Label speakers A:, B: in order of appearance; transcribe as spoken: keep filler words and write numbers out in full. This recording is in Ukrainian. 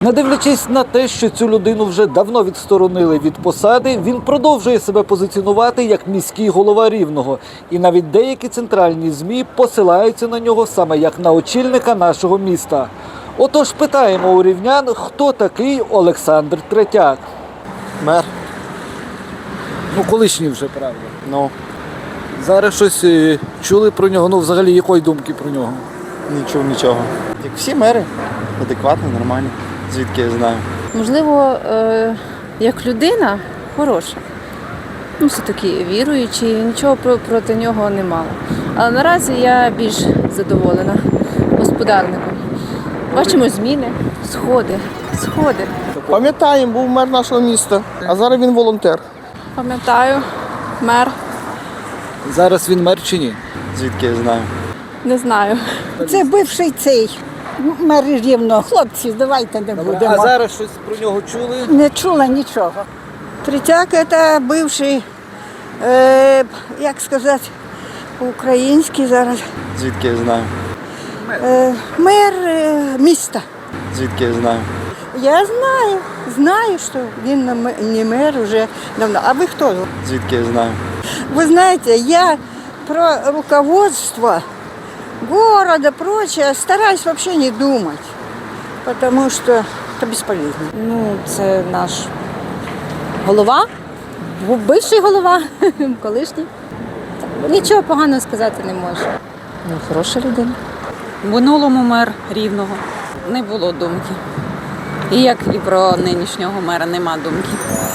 A: Не дивлячись на те, що цю людину вже давно відсторонили від посади, він продовжує себе позиціонувати як міський голова Рівного. І навіть деякі центральні ЗМІ посилаються на нього саме як на очільника нашого міста. Отож питаємо у рівнян, хто такий Олександр Третяк.
B: Мер.
A: Ну, колишній вже, правда.
B: Ну,
A: Зараз щось е, чули про нього, ну взагалі якої думки про нього?
B: не чув нічого. Як всі мери, адекватні, нормальні. Звідки я знаю.
C: Можливо, е, як людина хороша. Ну, все-таки віруючий, нічого про- проти нього не мала. Але наразі я більш задоволена господарником. Бачимо зміни, сходи, сходи.
D: Пам'ятаємо, був мер нашого міста, а зараз він волонтер.
C: Пам'ятаю, мер,
A: Зараз він мер чи ні?
B: Звідки я знаю.
C: не знаю.
E: Це бивший цей мер Рівного. Хлопці, давайте не будемо.
A: А зараз щось про нього чули?
E: Не чула нічого. Третяк – це бивший, е, як сказати, по-українськи зараз,
B: Звідки я знаю.
E: е, мер е, міста.
B: Звідки я знаю.
E: Я знаю, знаю, що він не ме- не мер вже давно. А ви хто?
B: Звідки я знаю.
E: Вы знаете, я про руководство города, прочее, стараюсь вообще не думать, потому что это бесполезно.
C: Ну, це наш голова, був бивший голова, колишній. Нічого поганого сказати не можу. Ну, хороша людина.
F: В минулому мер Рівного не було думки. І як і про нинішнього мера нема думки.